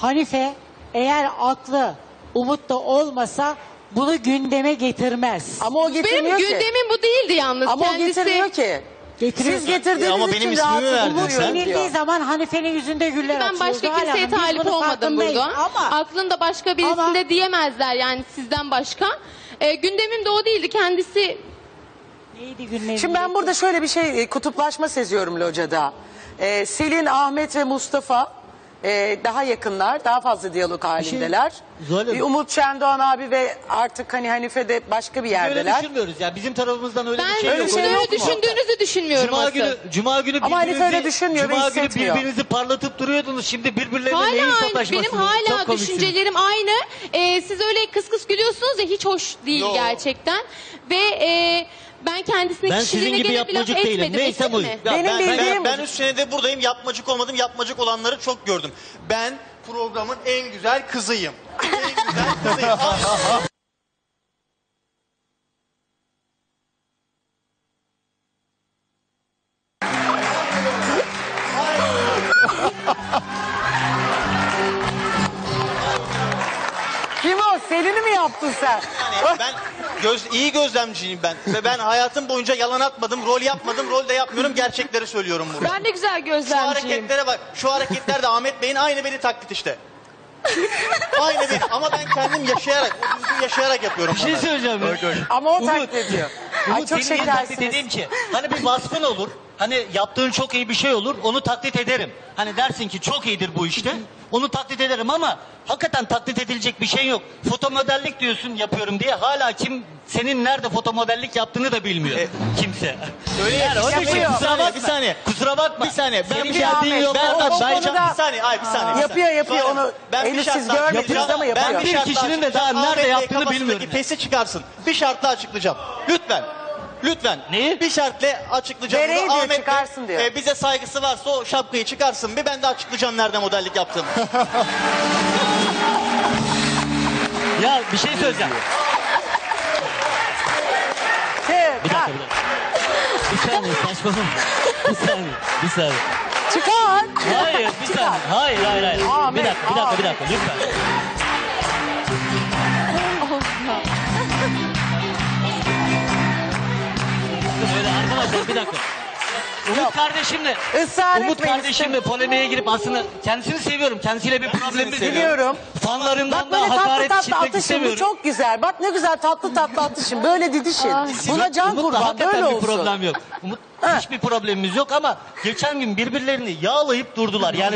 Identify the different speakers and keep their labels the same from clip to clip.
Speaker 1: Hanife eğer aklı Umut'ta olmasa bunu gündeme getirmez.
Speaker 2: Ama o
Speaker 3: Benim
Speaker 2: getirmiyor ki.
Speaker 3: gündemim bu değildi yalnız.
Speaker 2: Ama o
Speaker 3: Kendisi...
Speaker 2: getirmiyor ki.
Speaker 1: Getiriyor.
Speaker 2: Siz getirdiğiniz
Speaker 4: Ama benim
Speaker 2: için
Speaker 4: ismimi
Speaker 2: rahatsız
Speaker 4: verdin
Speaker 1: Umut
Speaker 4: sen.
Speaker 1: yenildiği zaman Hanife'nin yüzünde güller
Speaker 3: Ben
Speaker 1: açıyor.
Speaker 3: başka
Speaker 1: Zuhal
Speaker 3: kimseye
Speaker 1: Hanım, biz
Speaker 3: talip
Speaker 1: bunun
Speaker 3: olmadım
Speaker 1: farkındayız.
Speaker 3: burada.
Speaker 1: Ama
Speaker 3: Aklında başka birisinde diyemezler yani sizden başka. Gündemim de o değildi. Kendisi
Speaker 1: neydi gündemi?
Speaker 2: Şimdi ben burada şöyle bir şey kutuplaşma seziyorum locada. Selin, Ahmet ve Mustafa daha yakınlar, daha fazla diyalog halindeler.
Speaker 4: Zuhal Hanım.
Speaker 2: Umut Şendoğan abi ve artık hani Hanife de başka bir
Speaker 4: Öyle
Speaker 2: yerdeler.
Speaker 4: düşünmüyoruz ya. Bizim tarafımızdan öyle
Speaker 3: ben
Speaker 4: bir şey
Speaker 2: öyle
Speaker 4: yok.
Speaker 2: bir şey
Speaker 3: öyle
Speaker 2: yok mu?
Speaker 3: düşündüğünüzü düşünmüyorum
Speaker 4: Cuma günü
Speaker 2: Ama Hanife öyle düşünmüyor ve
Speaker 4: Cuma günü
Speaker 2: hissetmiyor.
Speaker 4: birbirinizi parlatıp duruyordunuz. Şimdi birbirlerine neyin
Speaker 3: Hala aynı,
Speaker 4: sataşmasınız?
Speaker 3: benim hala
Speaker 4: Çok komiksiniz.
Speaker 3: düşüncelerim aynı. Siz öyle kıs kıs gülüyorsunuz ya, hiç hoş değil
Speaker 4: Yo.
Speaker 3: gerçekten. Ve ben kendisine
Speaker 4: Ben sizin
Speaker 3: kişiliğine
Speaker 4: gibi
Speaker 3: gene bir laf
Speaker 4: yapmacık değilim.
Speaker 3: etmedim.
Speaker 4: Neyse
Speaker 3: ettim
Speaker 4: bu.
Speaker 3: mi?
Speaker 4: Ya
Speaker 2: Benim bildiğim-
Speaker 5: Ben 3 senedir buradayım. Yapmacık olmadım. Yapmacık olanları çok gördüm. Ben programın en güzel kızıyım. En güzel kızıyım.
Speaker 2: Kim o? Selin'i mi yaptın sen?
Speaker 5: Yani ben iyi gözlemciyim ben. Ve ben hayatım boyunca yalan atmadım, rol yapmadım, rol de yapmıyorum. Gerçekleri söylüyorum burada.
Speaker 6: Ben de güzel
Speaker 5: Şu
Speaker 6: gözlemciyim.
Speaker 5: hareketlere bak. Şu hareketler de Ahmet Bey'in aynı beni taklit işte. Aynı beni. Ama ben kendim yaşayarak, o düzgün yaşayarak yapıyorum.
Speaker 4: Bir şey söyleyeceğim ya.
Speaker 2: Ama o
Speaker 4: Umut,
Speaker 2: taklit ediyor. Ay
Speaker 4: Umut,
Speaker 2: çok
Speaker 4: senin niye taklit
Speaker 2: şekersiniz.
Speaker 4: edeyim ki? Hani bir vasfın olur. Hani yaptığın çok iyi bir şey olur. Onu taklit ederim. Hani dersin ki çok iyidir bu işte. Onu taklit ederim ama hakikaten taklit edilecek bir şey yok. Fotomodellik diyorsun yapıyorum diye. Hala kim senin nerede fotomodellik yaptığını da bilmiyor. Kimse.
Speaker 5: Öyle
Speaker 4: Yani onun için
Speaker 2: Yapıyor.
Speaker 4: kusura bakma.
Speaker 5: Bir saniye.
Speaker 4: Kusura bakma.
Speaker 5: Bir saniye. Ben
Speaker 4: Senin
Speaker 5: bir
Speaker 4: bir
Speaker 5: şey
Speaker 4: derdin yok.
Speaker 2: Ahmet,
Speaker 4: Ben,
Speaker 2: o
Speaker 4: ben,
Speaker 2: konuda-
Speaker 5: Bir saniye. Ay bir saniye.
Speaker 2: Yapıyor onu.
Speaker 5: Ben bir
Speaker 2: Henüz
Speaker 5: şartla
Speaker 2: siz görmediniz
Speaker 5: açıklayacağım.
Speaker 2: ama yapıyor.
Speaker 5: Ben bir
Speaker 4: Bir
Speaker 5: şartla
Speaker 4: kişinin de daha
Speaker 5: açıklayacağım.
Speaker 4: nerede
Speaker 5: Ahmet Bey
Speaker 4: yaptığını
Speaker 5: kafasındaki
Speaker 4: bilmiyorum.
Speaker 5: pesi çıkarsın. Bir şartla açıklayacağım. Lütfen. Lütfen.
Speaker 4: Neyi?
Speaker 5: Bir şartla açıklayacağım.
Speaker 2: Nereye
Speaker 5: Bunu
Speaker 2: diyor, çıkarsın diyor.
Speaker 5: Bize saygısı varsa o şapkayı çıkarsın. Bir ben de açıklayacağım nerede modellik yaptığımı.
Speaker 4: Ya bir şey söyleyeceğim. Bir dakika, bir dakika. Bir saniye saçmalama. Bir saniye, bir saniye.
Speaker 2: Çıkar.
Speaker 4: Hayır, bir saniye. Hayır, hayır, hayır.
Speaker 2: Ahmet,
Speaker 4: Bir dakika, bir dakika, lütfen. Öyle arkadaşlar bir dakika. Umut kardeşimle,
Speaker 2: Israr
Speaker 4: Umut
Speaker 2: etmeyin.
Speaker 4: kardeşimle polemiğe girip aslında kendisini seviyorum. Kendisiyle bir problemimiz yok.
Speaker 2: Biliyorum.
Speaker 4: Fanlarından
Speaker 2: Bak böyle
Speaker 4: da
Speaker 2: tatlı
Speaker 4: hakaret
Speaker 2: tatlı
Speaker 4: işitmek
Speaker 2: atışın bu
Speaker 4: istemiyorum.
Speaker 2: çok güzel. Bak ne güzel tatlı tatlı atışın. Böyle didişin. Buna can
Speaker 4: Umut'la
Speaker 2: kurban
Speaker 4: hakikaten
Speaker 2: böyle
Speaker 4: bir
Speaker 2: olsun.
Speaker 4: problem yok. Umut hiçbir problemimiz yok ama geçen gün birbirlerini yağlayıp durdular. Yani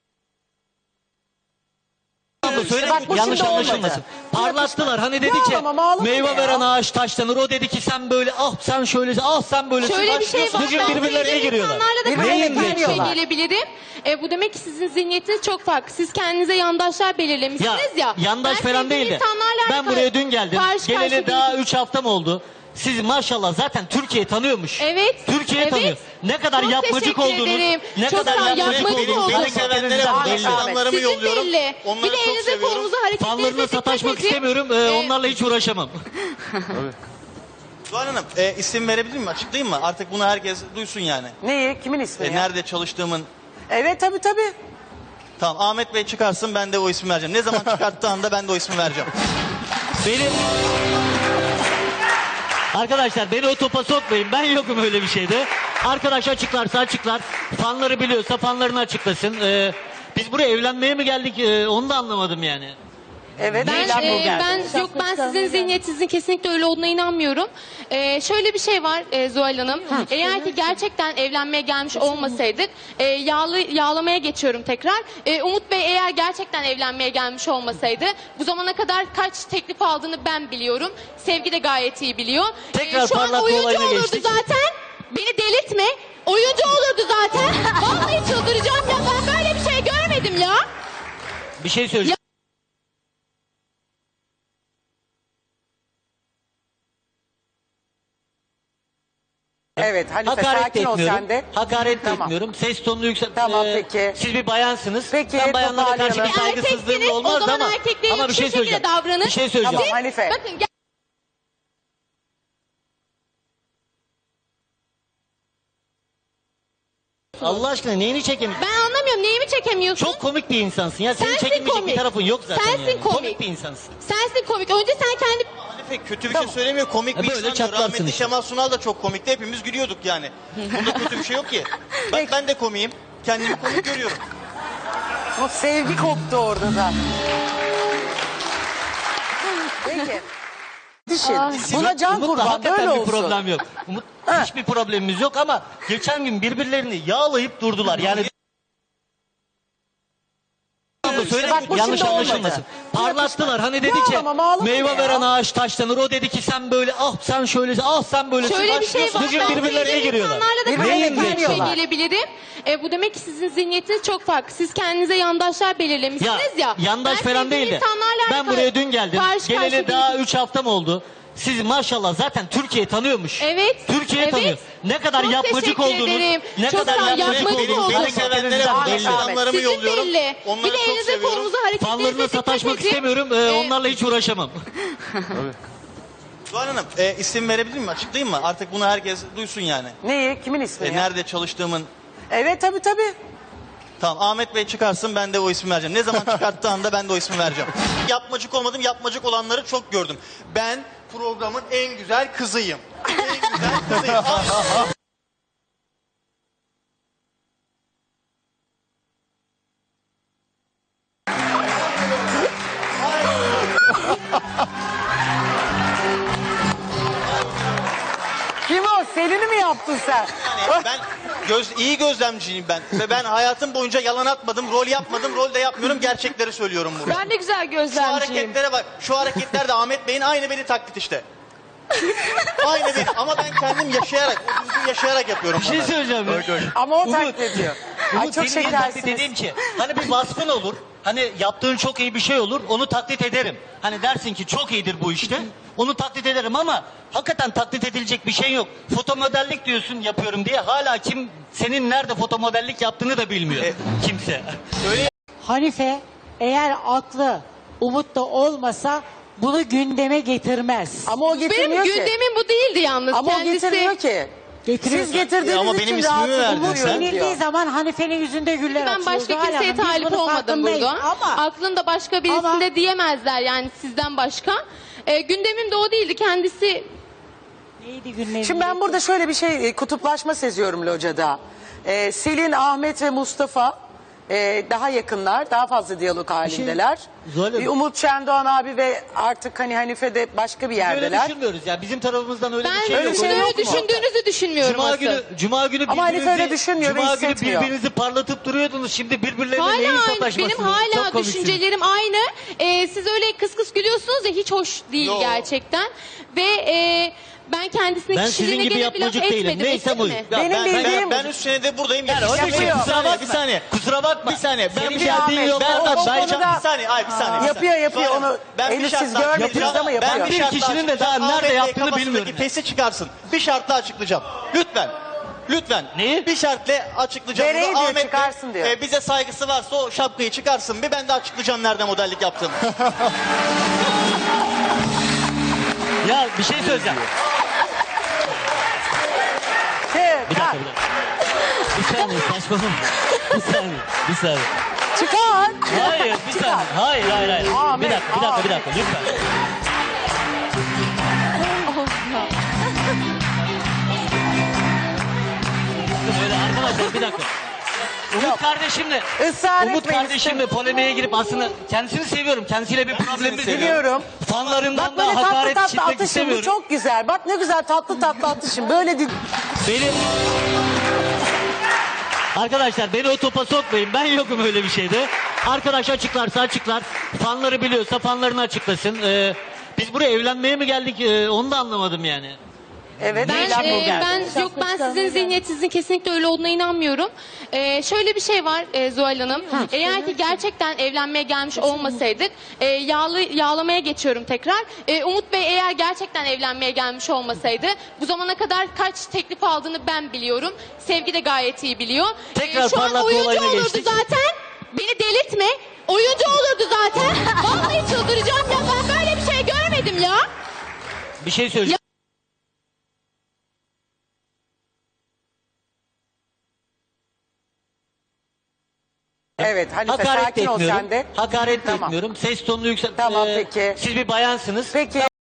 Speaker 4: söyle
Speaker 2: Bak bu
Speaker 4: yanlış
Speaker 2: şimdi
Speaker 4: anlaşılmasın.
Speaker 2: olmadı.
Speaker 4: Parlattılar. Hani dedi ki
Speaker 2: Ağlama, ağlama
Speaker 4: meyve
Speaker 2: ya.
Speaker 4: veren ağaç taşlanır. O dedi ki sen böyle ah sen şöylesin ah sen böylesin.
Speaker 3: Şöyle bir şey var.
Speaker 4: Bugün
Speaker 3: Ben
Speaker 4: birbirlerine
Speaker 3: sevdiğim
Speaker 4: giriyorlar.
Speaker 3: insanlarla da
Speaker 2: Birbirlerine
Speaker 3: karşı karşıya
Speaker 2: giriyorlar.
Speaker 3: gelebilirim. Bu demek ki sizin zihniyetiniz çok farklı. Siz kendinize yandaşlar belirlemişsiniz ya.
Speaker 4: yandaş
Speaker 3: Ben
Speaker 4: falan değil
Speaker 3: sevdiğim
Speaker 4: de.
Speaker 3: insanlarla
Speaker 4: Ben buraya dün geldim.
Speaker 3: karşı
Speaker 4: Geleli
Speaker 3: karşıya
Speaker 4: daha
Speaker 3: gelip-
Speaker 4: 3 hafta mı oldu? Siz maşallah zaten Türkiye tanıyormuş.
Speaker 3: Evet.
Speaker 4: Türkiye
Speaker 3: evet.
Speaker 4: tanıyor. Ne kadar
Speaker 3: Çok
Speaker 4: yapmacık
Speaker 3: teşekkür
Speaker 4: olduğunuz,
Speaker 3: ederim.
Speaker 4: ne
Speaker 3: Çok
Speaker 4: kadar
Speaker 3: sağ ol,
Speaker 4: yapmacık
Speaker 3: yapmacık
Speaker 4: olduğunuz
Speaker 3: oldum.
Speaker 5: Beni sevenlere
Speaker 2: Ahmet,
Speaker 5: belli
Speaker 2: Ahmet.
Speaker 5: adamlarımı
Speaker 3: Sizin
Speaker 5: yolluyorum.
Speaker 3: belli.
Speaker 5: Onları
Speaker 3: Bir de
Speaker 5: çok
Speaker 3: elinize
Speaker 5: seviyorum.
Speaker 3: kolunuza hareketlerinize
Speaker 4: Fanlarına
Speaker 3: dikkat
Speaker 4: sataşmak
Speaker 3: edin.
Speaker 4: istemiyorum. Onlarla hiç uğraşamam.
Speaker 5: Zuhal Hanım isim verebilir miyim? Açıklayayım mı? Artık bunu herkes duysun yani.
Speaker 2: Neyi? Kimin ismi ya?
Speaker 5: Nerede çalıştığımın.
Speaker 2: Evet tabii.
Speaker 5: Tamam Ahmet Bey çıkarsın ben de o ismi vereceğim. Ne zaman çıkarttığı anda ben de o ismi vereceğim.
Speaker 4: Beni... Arkadaşlar beni o topa sokmayın. Ben yokum öyle bir şeyde. Arkadaş açıklarsa açıklar. Fanları biliyorsa fanlarını açıklasın. Biz buraya evlenmeye mi geldik? Onu da anlamadım yani.
Speaker 2: Evet.
Speaker 3: Ben,
Speaker 2: eylem bu geldi.
Speaker 3: ben sizin zihniyetinizin kesinlikle öyle olduğuna inanmıyorum. Şöyle bir şey var Zuhal Hanım. Eğer ki gerçekten evlenmeye gelmiş olmasaydık, yağlamaya geçiyorum tekrar. Umut Bey eğer gerçekten evlenmeye gelmiş olmasaydı, bu zamana kadar kaç teklif aldığını ben biliyorum. Sevgi de gayet iyi biliyor.
Speaker 4: Tekrar
Speaker 3: Şu an
Speaker 4: parlatma
Speaker 3: oyuncu
Speaker 4: olayına
Speaker 3: olurdu
Speaker 4: geçtik.
Speaker 3: zaten. Beni delirtme. Oyuncu olurdu zaten. Vallahi çıldıracağım ya. Ben böyle bir şey görmedim ya.
Speaker 4: Bir şey söyleyeceğim.
Speaker 2: Evet Hanife
Speaker 4: Hakaret de
Speaker 2: sakin ol
Speaker 4: etmiyorum.
Speaker 2: sen de.
Speaker 4: Hakaret de
Speaker 2: Tamam.
Speaker 4: etmiyorum. Ses tonunu yükselt.
Speaker 2: Tamam, peki.
Speaker 4: Siz bir bayansınız.
Speaker 2: Peki,
Speaker 4: Ben bayanlara karşı bir
Speaker 2: toparlayalım.
Speaker 4: saygısızlığım
Speaker 3: Erkeksiniz,
Speaker 4: olmaz
Speaker 3: o zaman
Speaker 4: ama
Speaker 3: erkekliğe
Speaker 4: ama bir şey
Speaker 3: yakışır şekilde
Speaker 4: söyleyeceğim.
Speaker 3: davranın.
Speaker 4: Bir şey söyleyeceğim.
Speaker 2: Tamam Hanife.
Speaker 3: Bakın
Speaker 4: Allah aşkına neyini çekemiyorsun?
Speaker 3: Ben anlamıyorum. Neyimi çekemiyorsun?
Speaker 4: Çok komik bir insansın ya. Senin
Speaker 3: Sensin
Speaker 4: çekinmeyecek
Speaker 3: komik.
Speaker 4: bir tarafın yok zaten
Speaker 3: Sensin
Speaker 4: yani.
Speaker 3: komik.
Speaker 4: bir insansın.
Speaker 3: Sensin komik. Önce sen kendi...
Speaker 5: Hanife kötü bir şey söylemiyor. Komik bir
Speaker 4: Böyle
Speaker 5: insan diyor.
Speaker 4: çatlarsın
Speaker 5: Rahmetli
Speaker 4: işte.
Speaker 5: Kemal Sunal da çok komikti. Hepimiz gülüyorduk yani. Bunda kötü bir şey yok ki. Bak ben de komiyim. Kendimi komik görüyorum.
Speaker 2: O sevgi koptu orada da. Peki. Düşün. Buna can
Speaker 4: Umut'la
Speaker 2: kurban
Speaker 4: hakikaten
Speaker 2: böyle
Speaker 4: bir
Speaker 2: olsun.
Speaker 4: problem yok. Umut hiçbir problemimiz yok ama geçen gün birbirlerini yağlayıp durdular. Yani
Speaker 2: Bak bu
Speaker 4: yanlış
Speaker 2: şimdi
Speaker 4: anlaşılmasın.
Speaker 2: olmadı.
Speaker 4: Parlattılar. Hani dedi ki
Speaker 2: Yağlama, mağlama
Speaker 4: meyve
Speaker 2: ya.
Speaker 4: veren ağaç taşlanır. O dedi ki sen böyle sen şöylesin sen böylesin.
Speaker 3: Şöyle bir şey var.
Speaker 4: Bugün
Speaker 3: Ben
Speaker 4: birbirlerine
Speaker 3: sevdiğim
Speaker 4: giriyorlar.
Speaker 3: insanlarla da
Speaker 2: Birbirlerine
Speaker 3: karşı karşıya
Speaker 2: giriyorlar.
Speaker 3: gelebilirim. Bu demek ki sizin zihniyetiniz çok farklı. Siz kendinize yandaşlar belirlemişsiniz ya.
Speaker 4: Yandaş
Speaker 3: Ben
Speaker 4: falan
Speaker 3: sevdiğim
Speaker 4: değil de.
Speaker 3: insanlarla
Speaker 4: Ben buraya dün geldim.
Speaker 3: karşı
Speaker 4: Geleli
Speaker 3: karşıya
Speaker 4: daha
Speaker 3: gelip-
Speaker 4: 3 haftam oldu. Siz maşallah zaten Türkiye tanıyormuş.
Speaker 3: Evet.
Speaker 4: Türkiye
Speaker 3: evet.
Speaker 4: tanıyor. Ne kadar
Speaker 3: Çok
Speaker 4: yapmacık
Speaker 3: teşekkür
Speaker 4: olduğunuz,
Speaker 3: ederim.
Speaker 4: ne
Speaker 3: Çok
Speaker 4: kadar
Speaker 3: sağ ol,
Speaker 4: yapmacık
Speaker 3: yapmacık
Speaker 4: olduğunuz
Speaker 3: oldum.
Speaker 5: Beni sevenlere bak.
Speaker 2: Ahmet,
Speaker 5: Selamlarımı
Speaker 3: Sizin
Speaker 5: yolluyorum.
Speaker 3: belli.
Speaker 5: Onları
Speaker 3: Bir de
Speaker 5: çok
Speaker 3: elinize
Speaker 5: seviyorum.
Speaker 3: kolunuza hareketlerinize
Speaker 4: Fanlarına
Speaker 3: dikkat
Speaker 4: sataşmak
Speaker 3: edin.
Speaker 4: istemiyorum. Onlarla hiç uğraşamam.
Speaker 5: Zuhal Hanım isim verebilir miyim? Açıklayayım mı? Artık bunu herkes duysun yani.
Speaker 2: Neyi? Kimin ismi ya?
Speaker 5: Nerede çalıştığımın.
Speaker 2: Evet tabii.
Speaker 5: Tamam Ahmet Bey çıkarsın ben de o ismi vereceğim. Ne zaman çıkarttığı anda ben de o ismi vereceğim. Yapmacık olmadım, yapmacık olanları çok gördüm. Ben programın en güzel kızıyım. En güzel kızıyım.
Speaker 2: Kim o? Selin'i mi yaptın sen?
Speaker 5: Yani ben iyi gözlemciyim ben. Ve ben hayatım boyunca yalan atmadım, rol yapmadım, rol de yapmıyorum. Gerçekleri söylüyorum burada.
Speaker 6: Ben de güzel
Speaker 5: Şu
Speaker 6: gözlemciyim.
Speaker 5: hareketlere bak. Şu hareketler de Ahmet Bey'in aynı beni taklit işte. Aynı benim ama ben kendim yaşayarak, o düzgün yaşayarak yapıyorum.
Speaker 4: Bir şey
Speaker 5: bunları.
Speaker 4: söyleyeceğim.
Speaker 2: Ama o
Speaker 4: Umut,
Speaker 2: taklit ediyor. Ay
Speaker 4: Umut,
Speaker 2: çok
Speaker 4: senin niye taklit
Speaker 2: şekersiniz.
Speaker 4: edeyim ki? Hani bir vasfın olur. Hani yaptığın çok iyi bir şey olur. Onu taklit ederim. Hani dersin ki çok iyidir bu işte. Onu taklit ederim ama hakikaten taklit edilecek bir şey yok. Fotomodellik diyorsun yapıyorum diye. Hala kim senin nerede fotomodellik yaptığını da bilmiyor. Kimse.
Speaker 1: Hanife eğer aklı Umut'ta olmasa bunu gündeme getirmez.
Speaker 2: Ama o
Speaker 3: Benim
Speaker 2: getirmiyor ki.
Speaker 3: gündemim bu değildi yalnız.
Speaker 2: Ama o
Speaker 3: Kendisi...
Speaker 2: getirmiyor ki.
Speaker 1: Getiriyor.
Speaker 2: Siz getirdiğiniz
Speaker 5: Ama
Speaker 2: için
Speaker 5: benim ismimi
Speaker 2: rahatsız
Speaker 5: verdin
Speaker 2: oluyorum
Speaker 5: sen.
Speaker 1: Yenildiği
Speaker 2: diyor.
Speaker 1: zaman Hanife'nin yüzünde güller
Speaker 3: Ben
Speaker 1: açıyor.
Speaker 3: başka
Speaker 1: Zuhal
Speaker 3: kimseye
Speaker 1: Hanım, biz
Speaker 3: talip
Speaker 1: bunun
Speaker 3: olmadım
Speaker 1: farkındayız.
Speaker 3: burada.
Speaker 1: Ama
Speaker 3: Aklında başka birisinde
Speaker 1: Ama-
Speaker 3: diyemezler yani sizden başka. Gündemim de o değildi. Kendisi
Speaker 1: neydi günlerin?
Speaker 2: Şimdi ben burada şöyle bir kutuplaşma seziyorum locada. Selin, Ahmet ve Mustafa daha yakınlar, daha fazla diyalog halindeler.
Speaker 4: Zuhal Hanım.
Speaker 2: Umut Şendoğan abi ve artık hani Hanife de başka bir
Speaker 4: Öyle
Speaker 2: yerdeler.
Speaker 4: düşünmüyoruz ya. Bizim tarafımızdan öyle
Speaker 3: ben
Speaker 4: bir şey
Speaker 2: Öyle
Speaker 4: yok.
Speaker 2: bir şey
Speaker 3: öyle
Speaker 2: yok mu?
Speaker 3: düşündüğünüzü düşünmüyorum
Speaker 4: Cuma
Speaker 3: asıl.
Speaker 4: günü
Speaker 2: Ama Hanife öyle düşünmüyor ve
Speaker 4: Cuma günü
Speaker 2: hissetmiyor.
Speaker 4: birbirinizi parlatıp duruyordunuz. Şimdi birbirlerine
Speaker 3: Hala
Speaker 4: neyin
Speaker 3: aynı.
Speaker 4: sataşmasınız?
Speaker 3: Benim hala
Speaker 4: Çok komiksiniz.
Speaker 3: düşüncelerim aynı. Siz öyle kıs kıs gülüyorsunuz ya hiç hoş değil
Speaker 5: Yo.
Speaker 3: gerçekten. Ve ben kendisine
Speaker 4: Ben
Speaker 3: kişiliğine
Speaker 4: sizin gibi
Speaker 3: göre bir laf
Speaker 4: yapmacık değilim.
Speaker 3: etmedim.
Speaker 4: Neyse
Speaker 3: ettim
Speaker 4: bu.
Speaker 3: mi?
Speaker 4: Ya
Speaker 2: Benim bildiğim-
Speaker 5: Ben 3 senedir buradayım.
Speaker 4: Yani onun için
Speaker 2: Yapıyor.
Speaker 4: kusura bakma.
Speaker 5: Bir saniye.
Speaker 4: Kusura bakma.
Speaker 5: Bir saniye. Ben
Speaker 4: Senin
Speaker 5: bir
Speaker 4: geldiğin
Speaker 2: Ahmet,
Speaker 4: yoldan
Speaker 2: o
Speaker 4: ben
Speaker 2: konuda-
Speaker 5: Bir saniye, bir saniye.
Speaker 2: Yapıyor,
Speaker 5: Zuhal Hanım,
Speaker 2: onu
Speaker 5: ben bir
Speaker 2: Elif
Speaker 5: şartla
Speaker 2: siz görmediniz
Speaker 5: açıklayacağım.
Speaker 2: ama yapıyor.
Speaker 5: Ben bir
Speaker 4: Bir
Speaker 5: şartla
Speaker 4: kişinin de daha
Speaker 5: açıklayacağım.
Speaker 4: nerede
Speaker 5: Ahmet Bey
Speaker 4: yaptığını
Speaker 5: kafasındaki
Speaker 4: bilmiyorum.
Speaker 5: pesi çıkarsın. Bir şartla açıklayacağım. Lütfen. Lütfen.
Speaker 4: Neyi?
Speaker 5: Bir şartla açıklayacağım.
Speaker 2: Bereyi
Speaker 5: Bunu
Speaker 2: diyor,
Speaker 5: Ahmet
Speaker 2: çıkarsın
Speaker 5: Bey,
Speaker 2: diyor.
Speaker 5: bize saygısı varsa o şapkayı çıkarsın. Bir ben de açıklayacağım nerede modellik yaptığımı.
Speaker 4: Ya bir şey söyleyeceğim. Bir dakika. Bir saniye saçmalama. Bir saniye.
Speaker 2: Çıkar.
Speaker 4: Hayır bir saniye. Hayır.
Speaker 2: Ahmet,
Speaker 4: Bir dakika lütfen. Öyle arkadaşlar bir dakika. Umut kardeşimle
Speaker 2: Israr
Speaker 4: Umut
Speaker 2: etmeyin.
Speaker 4: kardeşimle polemiğe girip aslında kendisini seviyorum. Kendisiyle bir problemimiz yok.
Speaker 2: Biliyorum.
Speaker 4: Fanlarından
Speaker 2: Bak böyle
Speaker 4: da
Speaker 2: tatlı
Speaker 4: hakaret
Speaker 2: tatlı
Speaker 4: işitmek
Speaker 2: atışın bu
Speaker 4: istemiyorum.
Speaker 2: çok güzel. Bak ne güzel tatlı tatlı atışın. Böyle değil.
Speaker 4: Benim... Arkadaşlar beni o topa sokmayın. Ben yokum öyle bir şeyde. Arkadaş açıklarsa açıklar. Fanları biliyorsa fanlarını açıklasın. Biz buraya evlenmeye mi geldik? Onu da anlamadım yani.
Speaker 2: Evet.
Speaker 3: Ben,
Speaker 2: eylem bu geldi.
Speaker 3: ben sizin zihniyetinizin kesinlikle öyle olduğuna inanmıyorum. Şöyle bir şey var Zuhal Hanım. Eğer ki gerçekten evlenmeye gelmiş olmasaydık, yağlamaya geçiyorum tekrar. Umut Bey eğer gerçekten evlenmeye gelmiş olmasaydı, bu zamana kadar kaç teklif aldığını ben biliyorum. Sevgi de gayet iyi biliyor.
Speaker 4: Tekrar
Speaker 3: Şu an
Speaker 4: parlatma
Speaker 3: oyuncu
Speaker 4: olayına
Speaker 3: olurdu
Speaker 4: geçtik.
Speaker 3: zaten. Beni delirtme. Oyuncu olurdu zaten. Vallahi çıldıracağım ya. Ben böyle bir şey görmedim ya.
Speaker 4: Bir şey söyleyeceğim.
Speaker 2: Evet, Hanife,
Speaker 4: Hakaret
Speaker 2: sakin
Speaker 4: de
Speaker 2: ol
Speaker 4: etmiyorum.
Speaker 2: sen de.
Speaker 4: Hakaret de
Speaker 2: Tamam.
Speaker 4: etmiyorum. Ses tonunu yükselt.
Speaker 2: Tamam, peki.
Speaker 4: Siz bir bayansınız.
Speaker 2: Peki.